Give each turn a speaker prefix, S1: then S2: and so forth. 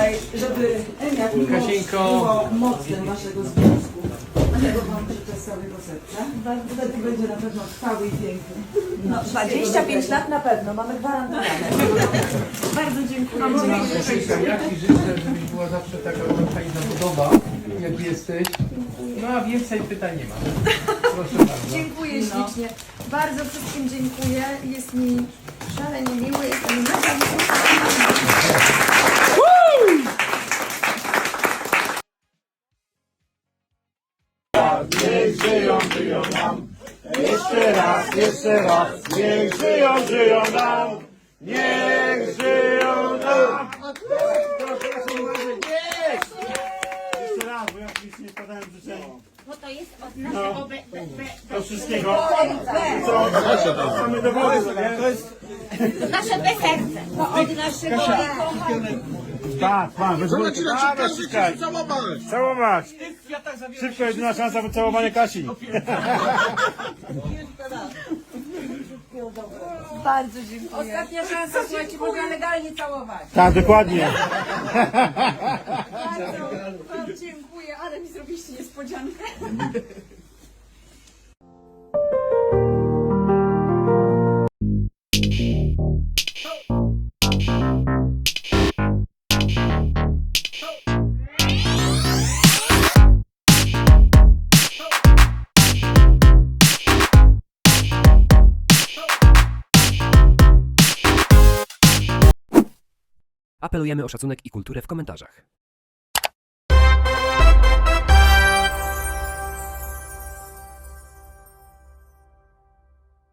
S1: tutaj, żeby jak miłość było mocem waszego związku. Tego wam życzę z całego serca. Wtedy będzie na pewno trwały i piękny.
S2: No, 25 lat na pewno, mamy gwarantowane. Bardzo dziękuję.
S3: Ja Ci życzę, żebyś była zawsze taka fajna budowa, jak jesteś. No a więcej pytań nie mam. Proszę bardzo.
S2: Dziękuję ślicznie. Bardzo wszystkim dziękuję. Jest mi szalenie miło. Jestem mega
S4: Niech żyją, żyją nam. Jeszcze raz, niech żyją, żyją nam. Niech żyją nam. Jeszcze raz, bo ja już nie składałem życzeń.
S5: Bo to jest od naszego
S4: Do wszystkiego. Co? Mamy dowody, nie? To jest...
S5: nasze serce. To od naszego
S4: Tak, pan, całować. Szybko, jedyna szansa wycałowania Kasi.
S2: Bardzo dziękuję.
S1: Ostatnia szansa, słuchajcie, można legalnie całować.
S4: Tak, dokładnie.
S2: Bardzo dziękuję, ale mi zrobiliście niespodziankę.
S6: Apelujemy o szacunek i kulturę w komentarzach.